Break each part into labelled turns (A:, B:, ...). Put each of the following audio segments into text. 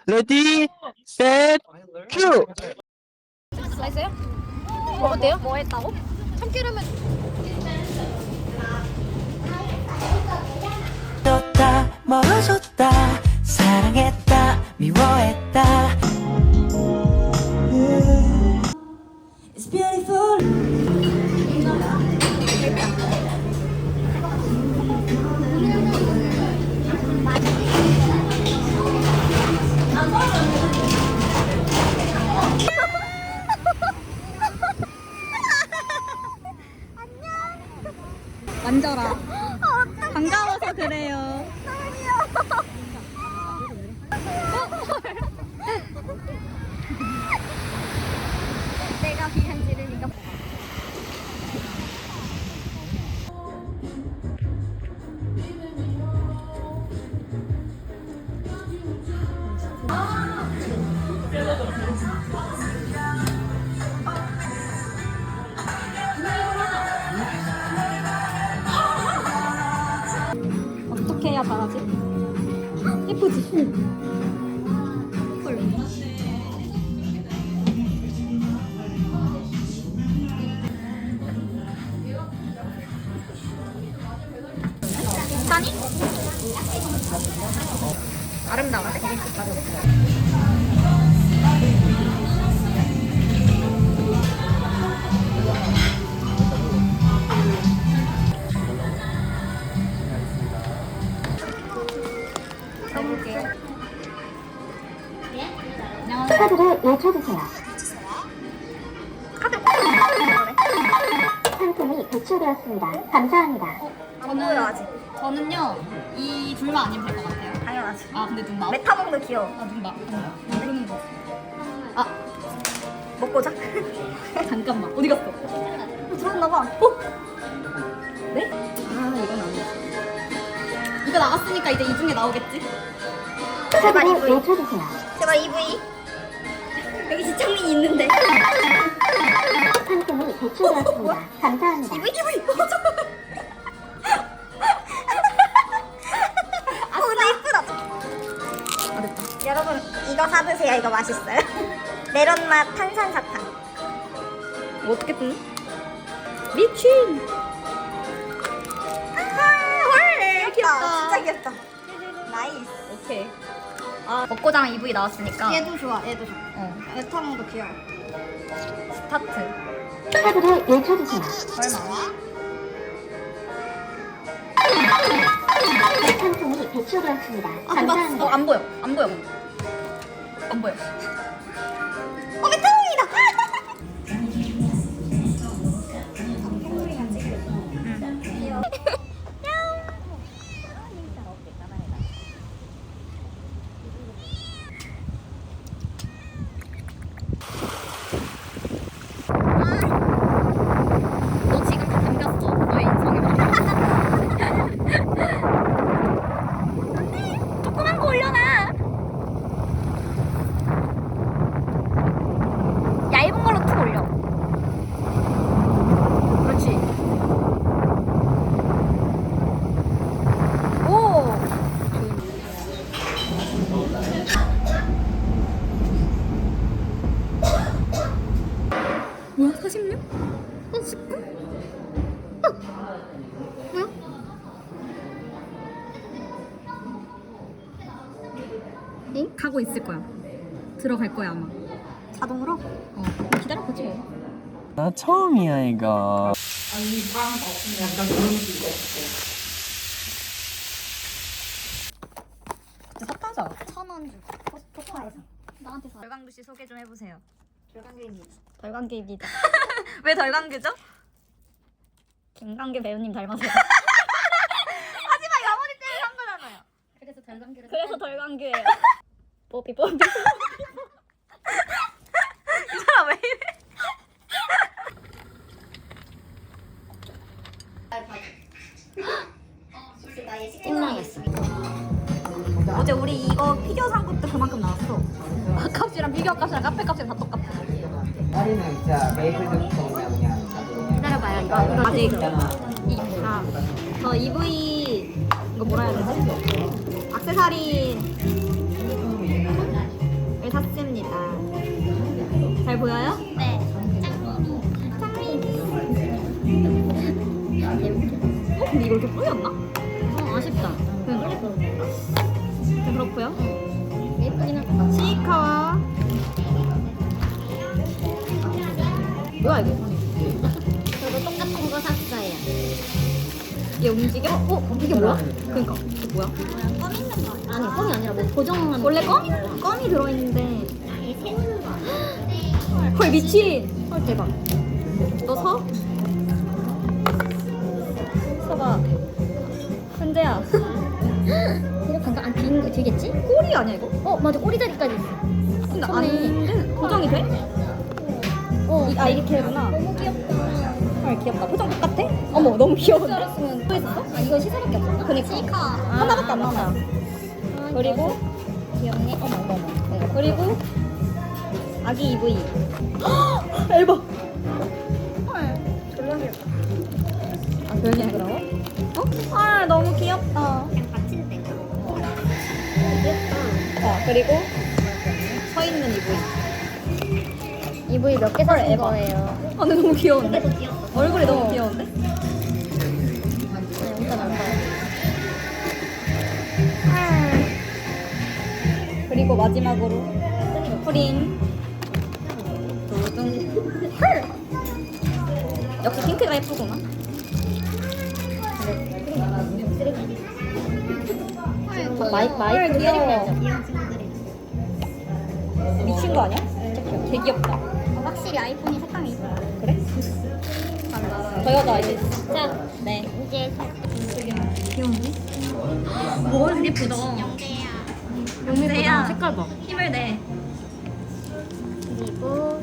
A: 레디, 셋, 큐!
B: 맛있어요? 먹었대요? 뭐 했다고? 참기름은
C: 졌다 멀어졌다 사랑했다 미워했다 It's beautiful
B: 만져라. 반가워서 그래요. 내가 비행 지르니까. 어떻게 해야 잘하지? 예쁘지? 헐. 사니? 아름다워.
D: 카드를 외쳐주세요. 상품이 배출되었습니다. 감사합니다.
B: 저는요 이 둘만 아니면 될 것 같아요.
E: 당연하지.
B: 아 근데 눈 나.
E: 메타몽도 귀여워.
B: 아눈 나. 모르는 거. 아
E: 먹고 자.
B: 잠깐만 어디 갔어?
E: 들어왔나봐.
B: 네? 아 이건 아니야. 이거 나갔으니까 이제 이 중에 나오겠지?
E: 제발
D: 카드를
E: EV.
D: 외쳐주세요.
E: 제발 EV. 여기 지창민이 있는데.
D: 상품이 배출되었습니다. 감사합니다.
E: EV 맞아. 아 근데 이쁘다.
B: 아 됐다.
E: 여러분 이거 사드세요. 이거 맛있어요. 메론 맛 탄산 사탕.
B: 뭐 어떻게 뜯는? 미친.
E: 헐.
B: 귀엽다.
E: 진짜 귀엽다. 나이스.
B: 오케이. 아 벚꽃장 EV 나왔으니까.
E: 얘도 좋아. 얘도 좋아.
B: 어
E: 메타몽도 귀여워.
B: 스타트.
D: 카드를 외쳐주세요.
B: 얼마?
D: 상품이 배출되었습니다.
B: 아
D: 감사합니다.
B: 안 보여. 안 보여. 안 보여.
E: 메타몽이다.
B: 너 지금 다 담겼어. 너의 인성에. 조그만 거 올려놔. 얇은 걸로 툭 올려. 그렇지. 오. 뭐야? 46? 49? 뭐야? 응? 가고 있을 거야. 들어갈 거야 아마.
E: 자동으로?
B: 기다려보지 뭐.
A: 나 처음이야, 이거.
B: 그때 샀다자.
E: 1,000원 주고 포토에서.
B: 나한테 사.
E: 덜광두 씨 소개 좀 해보세요.
B: 덜관계입니다.
E: 왜 덜광두죠?
B: 김광규 배우님 닮았어요.
E: 하지만 이 어머니 때문에 산 거잖아요.
B: 그래서 덜관계를. 그래서 덜관계예요. 뽀삐.
E: 이 사람 왜 이래?
B: 찐망했어.
E: 어제 우리 이거 피규어 산 것도 그만큼 나왔어.
B: 값이랑 비교 값이랑 카페 값이랑 다 똑같아.
F: 파리는 진짜 메이플부터 그냥
B: 기다려봐요. 이거 아직 저 EV 이거 뭐라 해야 되지? 액세서리 잘 보여요?
E: 네.
B: 근데 이거 이렇게 뿌렸나?
E: 아쉽다.
B: 그렇고요.
E: 예쁘긴 하다.
B: 시카와 뭐야 이거?
E: 저도 똑같은 거 샀어요.
B: 얘 움직여? 이게 뭐야? 그러니까 이게 뭐야?
E: 껌 있는 거 아니 껌이 아니라 뭐 고정하는
B: 원래
E: 거.
B: 껌이 들어있는데
E: 이게 새는 거 아니야?
B: 헐 미친. 헐 대박. 너 서? 서봐. 현재야.
E: 이렇게 잠깐 안 되겠지?
B: 꼬리 아니야 이거?
E: 맞아 꼬리 자리까지 있어.
B: 근데
E: 좋네.
B: 안 돼. 고정이 돼? 이렇게 되구나.
E: 너무 귀엽다.
B: 헐 귀엽다. 표정 똑같아? 어머 너무 귀여운데?
E: 알았으면
B: 또 있었어?
E: 이거 시사밖에 없었나?
B: 그니까.
E: 시카.
B: 하나밖에 안 나온다. 그리고
E: 귀엽네.
B: 어머. 그리고 아기 EV. 앨범. 졸라 귀엽다. 아 별게 부러워? 아 너무 귀엽다.
E: 그냥 받칠 때가.
B: 그리고 서 있는 EV.
E: EV 몇 개 사신 거예요?
B: 아 근데 너무 귀여운데?
E: 근데도 귀엽다.
B: 얼굴이 너무 귀여운데?
E: 진짜 난다.
B: 그리고 마지막으로 프린 두둥 역시 핑크가 예쁘구나.
E: 마이크
B: 귀여워.
E: 귀여운 친구들이.
B: 미친 거 아니야? 되게 귀엽다.
E: 확실히 아이폰이 색감이 있어.
B: 그래? 저 여자 이제
E: 자,
B: 네.
E: 이제
B: 귀여운데? 뭐 예쁘다.
E: 용대야.
B: 색깔 봐. 힘을 내.
E: 그리고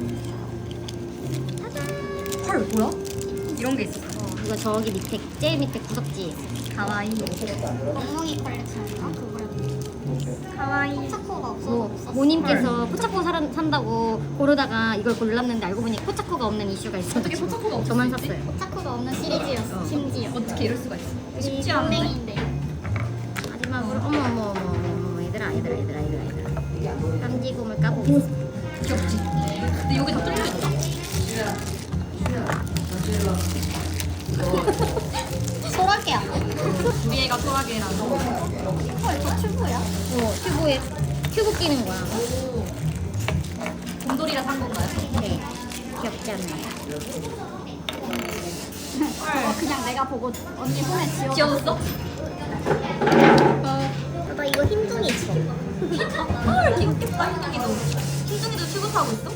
B: 헐 뭐야? 이런 게 있었어.
E: 이거 저기 밑에 제일 밑에 구석지.
B: 가와이.
E: 엉덩이 컬렉션인가 그거야.
B: 가와이.
E: 포차코가 없어. 모님께서 포차코 산다고 고르다가 이걸 골랐는데 알고 보니 포차코가 없는 이슈가 있어.
B: 어떻게 포차코가 없을
E: 저만
B: 수 있지?
E: 샀어요. 포차코가 없는 시리즈였어. 심지어.
B: 어떻게 이럴 수가 있어?
E: 우리
B: 쉽지 않은데.
E: 동맹인데. 마지막으로 어머 얘들아. 깜지곰을 까고 있어.
B: 귀엽지? 근데 여기 다 뚫려 있다.
E: 소라게야.
B: 우리 애가 소라게라는.
E: 헐, 저 튜브야? 튜브에 튜브 끼는 거야.
B: 곰돌이라 산 건가요?
E: 네. 귀엽지 않나요?
B: 그냥 내가 보고 언니 손에 쥐어. 쥐어줬어?
E: 나 이거 흰둥이 있어.
B: 헐 귀엽겠다 흰둥이도. 흰둥이도 튜브 타고 있어?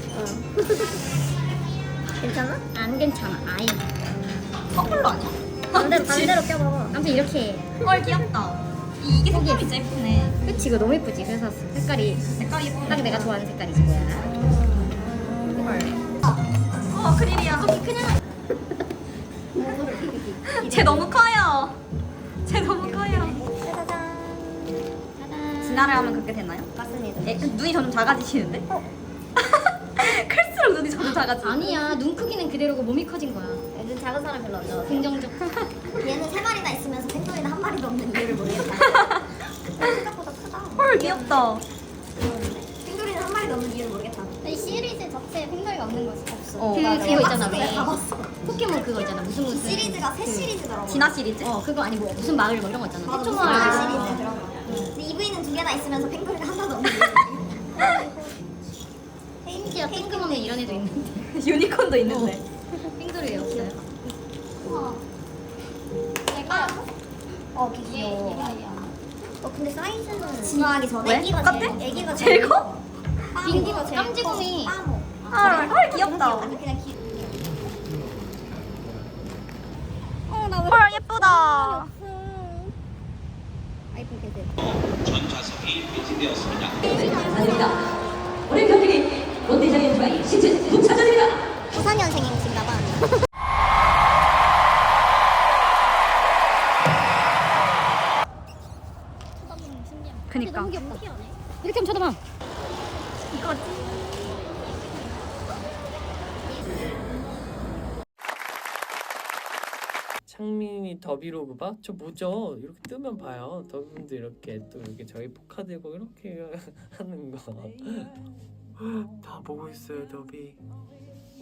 E: 괜찮아? 안 괜찮아. 아이.
B: 커플로 아니야?
E: 반대로 껴봐. 아무튼 이렇게.
B: 헐 귀엽다. 이게 색감이 진짜 예쁘네.
E: 그치 이거 너무 예쁘지. 그래서 색깔이
B: 색깔이 예쁘네.
E: 딱 내가 좋아하는 색깔이지 뭐야.
B: 크릴이야. 그냥. 쟤 너무 커요. 쟤 너무 커요.
E: 짜잔.
B: 진화를 하면 그렇게 되나요?
E: 맞습니다.
B: 눈이 점점 작아지시는데? 클수록 눈이 점점 작아지.
E: 아니야. 눈 크기는 그대로고 몸이 커진 거야. 요즘 작은 사람 별로 안 좋아. 긍정적.
G: 얘는 3마리나 있으면서 팬더리는 한 마리도 없는 이유를 모르겠다. 생각보다 크다.
B: 헐 귀엽다.
G: 팬더리는 한 마리도 없는 이유를 모르겠다.
E: 이 시리즈 자체에 팬더리가 없는 거지. 없어.
B: 맞아.
E: 그거 있잖아.
G: 박스에 다 봤어.
E: 포켓몬 그거 있잖아. 무슨
G: 이 시리즈가 새 시리즈더라고.
B: 진화 시리즈?
E: 그거 아니고 무슨 마을 뭐 이런 거 있잖아.
G: 맞아,
E: 태초
G: 무슨
E: 마을.
G: 시리즈 그런 거. 근데 EV는 2개나 있으면서 팬더리가 하나도 없는 이유.
E: 심지어 핑크몬에 이런 애도 있는데.
B: 유니콘도 있는데.
E: 핑크를 없어요.
G: 얘가 귀여워. 근데 사이즈는 진화하기 전에
B: 왜?
G: 애기가
B: 똑같아?
G: 애기가
B: 제일 커?
G: 애기가 제일
E: 깜찍음이.
G: 빠모.
B: 헐 귀엽다.
G: 아니 그냥 귀.
B: 헐 예쁘다.
E: 아이폰 계세요.
G: 부산년생이신가 봐.
B: 그니까.
E: 너무 귀엽다. 이렇게 한번 쳐다봐.
A: 창민이 더비로그 봐? 저 뭐죠? 이렇게 뜨면 봐요. 더비분들 이렇게 또 이렇게 저희 포카 들고 이렇게 하는 거. 다 보고 있어요, 더비.